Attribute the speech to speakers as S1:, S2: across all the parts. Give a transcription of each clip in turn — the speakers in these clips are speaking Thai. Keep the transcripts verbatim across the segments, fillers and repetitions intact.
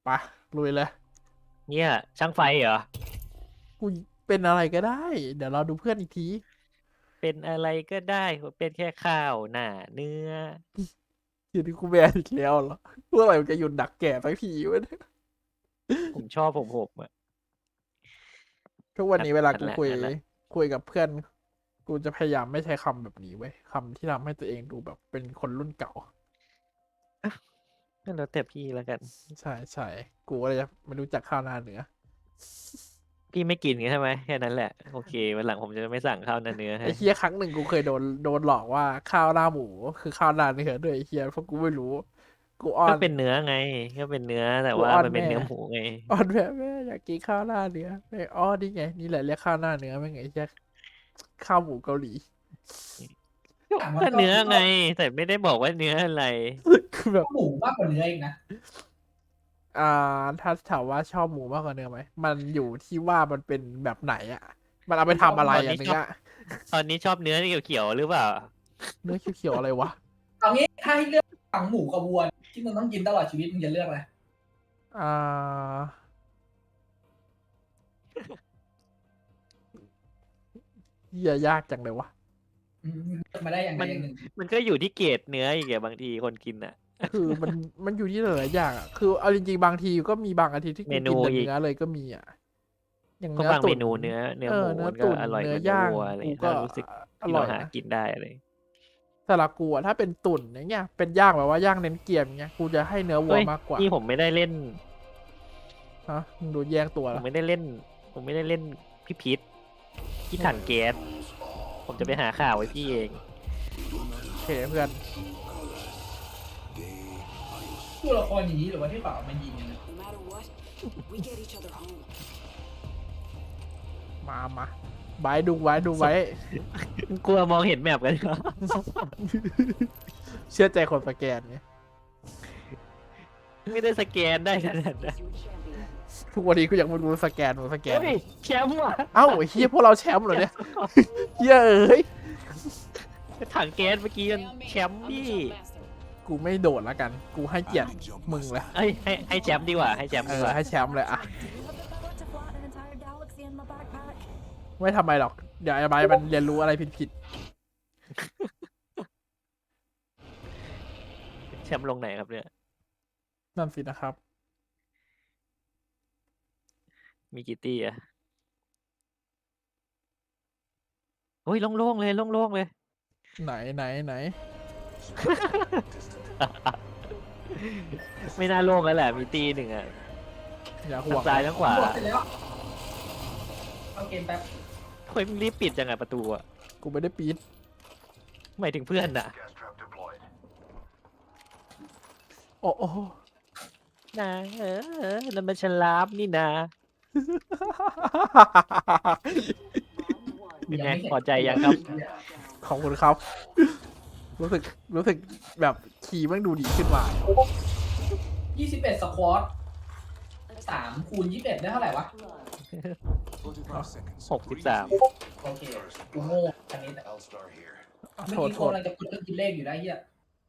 S1: ไปลุยเลย
S2: เนี่ยช่างไฟเหรอ
S1: กูเป็นอะไรก็ได้เดี๋ยวเราดูเพื่อนอีกที
S2: เป็นอะไรก็ได้เป็นแค่ข้าวหน้าเนื้อ
S1: ทีนี้กูแบนอีกแล้วเหรอเมื่อไหร่มันจะหยุดดักแก่สักทีวะเนี่ย
S2: ผมชอบผมผมอะ
S1: ทุกวัน
S2: นั่น
S1: นี้เวลา
S2: นั่น
S1: กูคุย
S2: แหละนั่นแหละ
S1: คุยกับเพื่อนกูจะพยายามไม่ใช้คำแบบนี้เว้ยคำที่ทำให้ตัวเองดูแบบเป็นคนรุ่นเก่า
S2: นั่นแล้วแต่พี่แล้วกัน
S1: ใช่ใช่กูก็เลยจะไม่รู้จักข้าวหน้าเนื้อ
S2: พี่ไม่กินใช่ไหมแค่นั้นแหละโอเควันหลังผมจะไม่สั่งข้าวหน้าเนื้อให้
S1: ไอ้เฮียครั้งหนึ่งกูเคยโดนโดนหลอกว่าข้าวหน้าหมูคือข้าวหน้าเนื้อด้วยไอ้เฮียเพราะกูไม่รู้กูอ้อน
S2: ก็เป็นเนื้อไงก็เป็นเนื้อแต่
S1: กู
S2: ว่า
S1: อ้อนแม่
S2: มันเป็นเนื้อหมูไง
S1: อ่อนแม่แม่อยากกินข้าวหน้าเนื้อแม่อ้อนี่ไงนี่แหละเรียกข้าวหน้าเนื้อไม่ไงแค่ข้าวหมูเกาหลี
S3: อ่ะมัน
S2: ก็
S3: ก็
S2: เนื้อไงแต่ไม่ได้บอกว่าเนื้ออะไร
S1: คือแบบ
S3: หมูมากกว่าเนื้ออีกนะ
S1: อ่าถ้าถามว่าชอบหมูมากกว่าเนื้อไหมมันอยู่ที่ว่ามันเป็นแบบไหนอ่ะมันเอาไปทำอะไร
S2: ตอน
S1: อ่ะ
S2: นี้ชอบ
S1: เนื้อ
S2: ตอนนี้ชอบเนื้อเขียวๆหรือเปล่า
S1: เนื้อเขียวๆอะไรวะ
S3: เอางี้ถ้าให้เลือกฝั่งหมูกับวัวที่มึงต้องกินตลอดชีวิตมึงจะเลือกอะไร
S1: อ่าเหี้ยยากจังเลยวะ
S3: อืมเลือกมาได้อย่างใด
S2: มัน
S3: อย่างหนึ่ง
S2: มันก็อยู่ที่เกรดเนื้ออีกอะบางทีคนกินอะ
S1: คือมันมันอยู่ที่หลายๆอย่างอ่ะคือเอาจริงๆบางทีก็มีบางอาทิตย์ที่
S2: เม
S1: กูกินแต่
S2: นูอีก
S1: เนื้อเลยก็มีอ่ะอย่าง
S2: เพราะบางเม
S1: เนื้อตุ๋น
S2: นูเนื้อเนื้
S1: เออ
S2: อหมู
S1: เนื้อตุ๋น
S2: มันก็อร่อย
S1: เนื้อ
S2: กว่าเนื้อ
S1: ย่าง
S2: วัวอะไร
S1: กูก็
S2: ถ้ารู้สึก
S1: อ
S2: ที่เราหา
S1: ร่อยนะ
S2: กินได้อะไร
S1: สำหรับกูอะถ้าเป็นตุ๋นอย่างเงี้ยเป็นย่างแบบว่าย่างเน้นเกรียมอย่างเงี้ยกูจะให้เนื้อวัว
S2: เฮ้ย
S1: มากกว่า
S2: นี่ผมไม่ได้เล่น
S1: ฮะมึงดูแย่งตัว
S2: ผม
S1: ละ
S2: ไม่ได้เล่นผมไม่ได้เล่นพี่พีทพี่ถังแก๊สผมจะไปหาข่าวไว้พี่เอง
S1: โอเคเพื่อน
S3: ตัวละครอย่างนี้หรือว่าที่เปล่ามันยิงกันนะ
S4: No matter what, we get each other home.
S1: มามาไว้ดูไว้ดูไว้
S2: กลัวมองเห็นแมปกันเหรอ
S1: เชื่อใจคนสแกนไง
S2: ไม่ได้สแกนได้ขนาดนั้น
S4: Your champion.
S1: ทุกวันนี้กูยังไม่รู้สแกนมึงสแกน
S2: เฮ้ยแชมป์ว่ะ
S1: เอ้าไอ้เฮียพวกเราแชมป์เหรอเนี่ยเฮียเอ้ย
S2: ถังแก๊สเมื่อกี้มันแชมป์
S4: I'm the
S2: พี่
S4: jump master.
S1: กูไม่โดดแล้วกัน กูให้เกียรติมึงเลย
S2: เอ้ยให้ให้แชมป์ดีกว่าให้แชมป์
S1: เอ
S2: ดี
S1: อก
S2: ว่า
S1: ให้แชมป์เลยอะ
S4: Do you have the power to fly an entire galaxy in my backpack?
S1: ไม่ทำไมหรอกเดี๋ยวไอ้ใบร์ทมันเรียนรู้อะไรผิด
S2: แชมป์ลงไหนครับเนี่ย
S1: ๆนั่นสินะครับ
S2: มีกี่ตี้อะโอ้ยโล่งๆเลยโล่งๆเลย
S1: ไหนไหนไหน
S2: ไม่น่าโล่งแล้วแหละมีตีหนึ่งอะ
S1: อย่าห่
S2: ทั้
S1: ว
S2: ง
S1: ง
S2: ซ้ายทั้งขวา
S3: หมดเสร็จแล้วเข้าเกมแป๊บ
S2: เฮ้ยมึงรีบปิดจังอะประตูอะ
S1: กูไม่ได้ปีด
S2: หมายถึงเพื่อนอะ
S1: โอ้โอ้
S2: นะเออเออแล้วมันฉลามนี่นะ
S4: Round one.
S2: ยังไงพอใจยังครับ
S1: ขอบคุณครับ รู้สึกรู้สึกแบบขี่มันดูดีขึ้นมา
S3: ยี่สิบเอ็ดสควอตสามคูณยี่สิบเอ็ดได้เท่าไหร่วะ
S4: Blood.
S2: หกสิบสาม
S3: โอเคกูโง่อันนี้แต่
S1: อ่ะ
S3: เมื่อ
S1: โทษ
S3: กี้
S1: โท
S3: โง่
S1: ษ
S3: เราจะกดเครื่องคิดเลขอยู่ได้เฮีย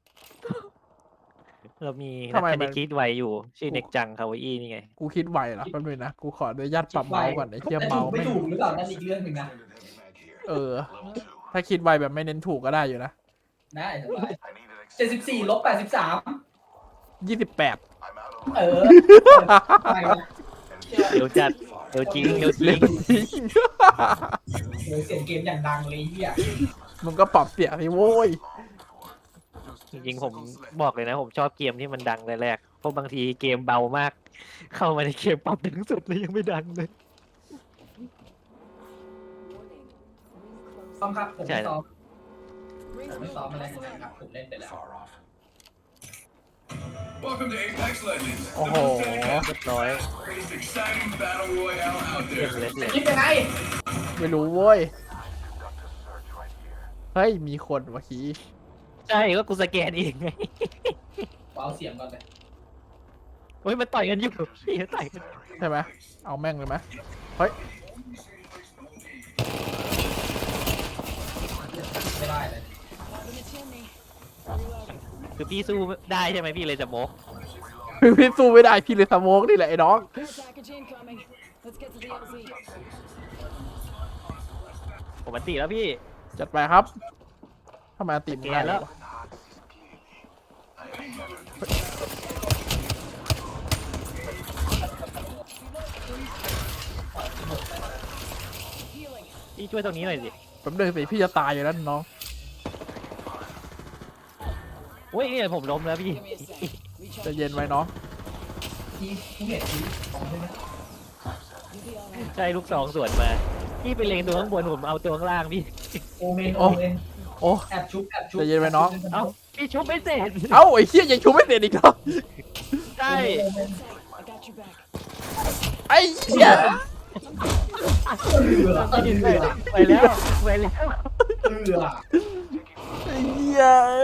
S2: เรามี
S1: ทำไม
S2: นักค
S1: มั
S2: ณิ
S1: น
S2: ตคิดไวอยู่ ชื่อเน็กจังคาวาอี้นี่ไง
S1: กูคิดไวเหรอแป๊บนึงนะ กูขออนุญาตปรับเมาส์ก่อนไอ้เทีย
S3: แต่
S1: เมา
S3: ถูก
S1: ส์
S3: ไม่
S1: ไม่
S3: ถูกหรือเปล่านั่นอีกเรื่องหนึ่งนะ
S1: เออ ถ้าคิดไวแบบไม่เน้นถูกก็ได้อยู่นะ
S3: ได้สบายเจ็ดสิบสี่ลบแปดสิบสาม
S1: ยี่สิบแปด
S3: เออไปละ
S2: เดี๋ยวจัดเดี๋ยวจริงเดี๋ยวจริ
S1: เล่
S2: ง
S1: นจริง
S3: โหเสียงเกมอย่างดังเลยเฮีย
S1: มึงก็ปรับเสียงสิโว้ย
S2: จริงๆผมบอกเลยนะ ผมชอบเกมที่มันดังแรกๆเพราะบางทีเกมเบามาก เข้ามาในเกมปรับถึงสุดเลยยังไม่ดังเลย
S3: ซ้อมครับผม
S2: ใช่
S3: ไม่ซ้อม
S4: Rings
S3: ผมไม่
S4: will
S3: ซ้อมอะไร
S4: pass
S3: ทั้งนั้นครับ
S4: around.
S3: ผมเล่นไปแล้ว
S5: Welcome to Apex Legends.
S1: โอ้โห
S2: เรียบร้อย
S5: Greatest exciting battle royale out
S2: เรียบ
S5: there.
S2: เลยเลย
S3: คิดยังไง
S1: ไม่รู้โว้ย เฮ้ย มีคนวะคี
S2: ใช่ก็กูสแกนเองไง
S3: เอาเสียงก่อนเลย
S2: เฮ้ยมันต่อยกันอยู่พี่ต่อยกัน
S1: ใช่ไหม เอาแม่งเลยไหมเฮ้ย
S3: ไม่ได้เลย
S4: Up in the chimney.
S2: คือพี่สู้ได้ใช่ไหมพี่เลยจะโมก
S1: พี่สู้ไม่ได้พี่เลยสโมกนี่แหละไอ้น้อง
S4: Care package incoming. Let's get to the L Z.
S2: ผมมันตีแล้วพี่
S1: จัดไปครับทำไมอันติม
S2: แก
S1: ง่าย
S2: แล้ว
S1: วะ
S2: พี่ช่วยตรงนี้หน่อยสิ
S1: แป๊บนึงสิพี่จะตายอยู่แล้วน้อง
S2: โอ้ยเนี่ยผมล้มแล้วพี่
S4: Give me a sec.
S1: ใจะ
S4: Recharge.
S1: เย็นไว้น้อง
S3: ที่ผู้เห็นที่ของใช่ไหม
S4: You'll be all right.
S2: ใช่ลูกสองสวนมา พี่ไปเล็งตัวข้างบนผมเอาตัวข้างล่างพี่
S3: โอเมน
S1: โอ้
S3: โอเมน
S1: โอ้
S3: แอบชุบแอบชุบ
S1: ใจเย็นไว้น้อง
S2: เอ้าพี่ชุบไม่เสร็จ
S1: เอ้าไอ้เหี้ยยังชูไม่เสร็จอีกเหรอ
S2: ใช่
S3: โอเมน
S4: I got your back.
S1: ไอ้เหี้ย
S3: เรือ
S2: ไปแล้วไปแล้ว
S3: เรือ
S1: ไอ้เหี้ย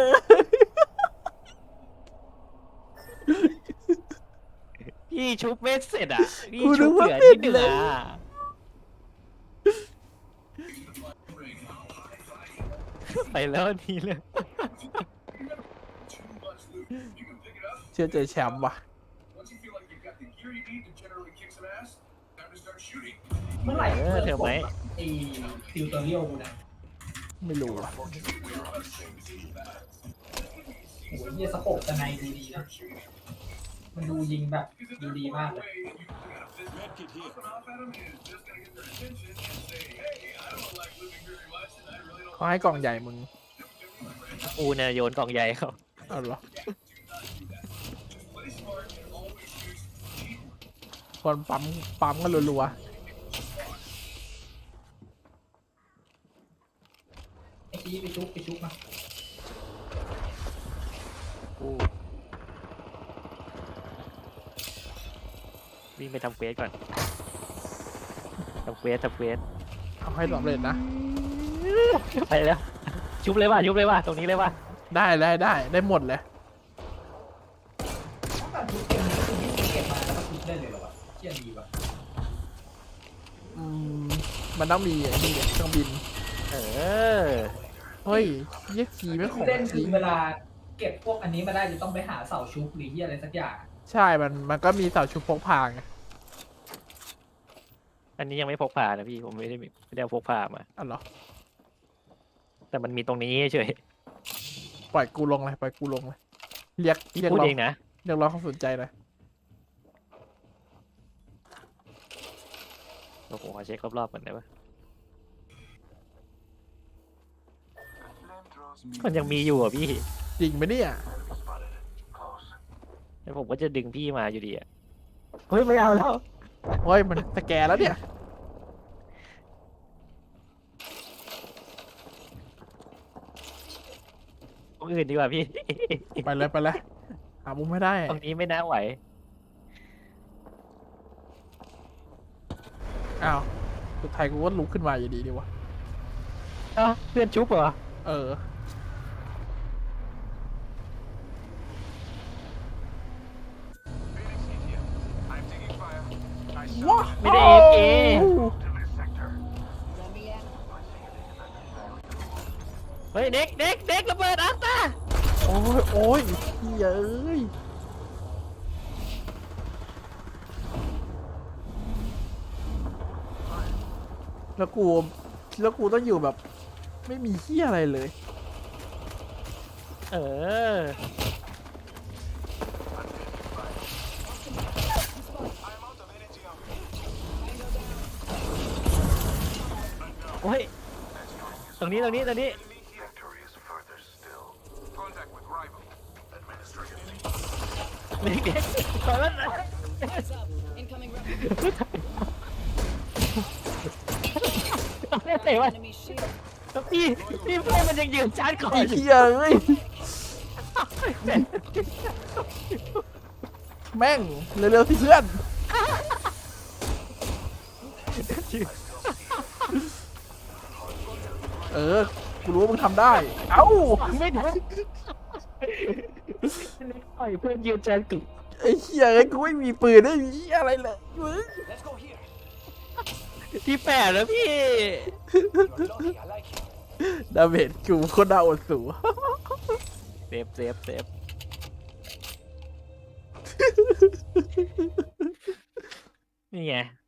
S2: พี่ชุบไม่เสร็จอ่ะพี่ชุบเหลือนิดเดียวอ่ะไปแล้วทีเลย
S1: เชื่อใจแชมป์ว่ะ
S5: Once you feel like you've got the gear you need to generally kick some ass, time to start shooting.
S3: เมื่อไหร่
S2: เออเธอไหม
S3: ไอ้ติวเตอเรียลกูนะ
S1: ไม่รู้ว่ะ
S3: โอ้โหเยี่ยสโคปแต่ในดูดีนะ มันดูยิงแบบดูดีมากเลย
S5: Medkit here. Off at 'em is just gonna get their attention and say, hey, I don't like living very much, and I really don't
S1: เขาให้กล่องใหญ่มึง
S2: อูเนี่ยโยนกล่องใหญ่เขา
S1: เอาเหรอ
S5: play smart and always use cheap
S1: คนปั๊มปั๊มกันรัว
S3: ไอ้ชี้ไปชุบไปชุบมา
S2: อูวิ่งไปทำเควสก่อนทำเควสทำเควส
S1: ๆเอาให้สำเร็จนะ
S2: ไปแล้ว ชุบเลยว่ะชุบเลยว่ะตรงนี้เลยว่ะ
S1: ได้ได้ได้ได้หมดเลย
S3: ต้องการชุบเกมนี้คือวิ่งเก็บมาแล้วก็ชุบได้เลยเหรอวะเชี่ยดีว่ะ
S1: อืมมันต้องมีไอ้นี่เครื่องบิน
S2: เออ
S1: เฮ้ยเยี่ยคีไม่ของ
S3: เล่น
S1: จ
S3: คื
S1: ริ
S3: อง เวลาเก็บพวกอันนี้มาได้จะต้องไปหาเสาชุบหรือที่อะไรสักอย่าง
S1: ใช่ มันมันก็มีเสาชุบพกพาไง
S2: อันนี้ยังไม่พกพานะพี่ผมไม่ได้มีไม่ได้เอาพกพามา
S1: อ๋อเหรอ
S2: แต่มันมีตรงนี้เฉย
S1: ปล่อยกูลงเลยปล่อยกูลงเลยเรียกเรียก
S2: พูด
S1: ร้อง
S2: เองนะ
S1: เรียกร้องความสนใจเลย
S2: โอ้โหขอเช็ครอบๆก่อนได้ปะมันยังมีอยู่อ่ะพี่
S1: จริงไหมเนี่ย
S2: แล้วผมก็จะดึงพี่มาอยู่ดีอ่ะเฮ้ยไม่เอาแล้ว
S1: เฮ้ยมันสแกนแล้วเนี่ย
S2: ตรงอื่นดีกว่าพี่
S1: ไปเลยไปเลยหามุมไม่ได้
S2: ตรงนี้ไม่น่าไหว
S1: อ้าวสุดท้ายกูก็ลุกขึ้นมาอยู่ดีดีวะ
S2: อ้าวเพื่อนชุบเหรอ
S1: เออ ว้า
S2: ไม่ได้เอฟเอ
S4: Let me out.
S2: เฮ้ยเด็กเด็กเด็กระเบิดอัตตา
S1: โอ้ยโอ้ยเหี้ยเอ้ยแล้วกูแล้วกูต้องอยู่แบบ ไม่มีเหี้ยอะไรเลย
S2: เออโอ้ยตรงนี้ตรงนี้ตรงนี้
S5: Victory is further still. Contact with rival. Administrative.
S2: เด็กเด็กขอแล้วนะ
S4: Heads up. Incoming rebel.
S2: เตะวะ
S4: Enemy shield.
S2: พี่พี่เพื่อนมันยังยืนชาร์จก่อ
S1: ไอ้
S2: นอยู่
S1: เหี้ยเอ้ย แม่ง เร็วๆสิเพื่อน เออ กูรู้ว่ามึงทำได้ เอ้า
S2: ไม่ได้ปล่อยเพื่อนยืนชาร์จกึ่ง
S1: ไอ้เหี้ยเอ้ยกูไม่มีปืนไม่มีอะไรเลยมึง
S5: Let's go here.
S2: ที่แปดแล้วพี่
S5: You're lucky. I like you.
S1: ดาเมจกูโคตรน่าอดสู
S2: เซฟเซฟเซฟนี่ไง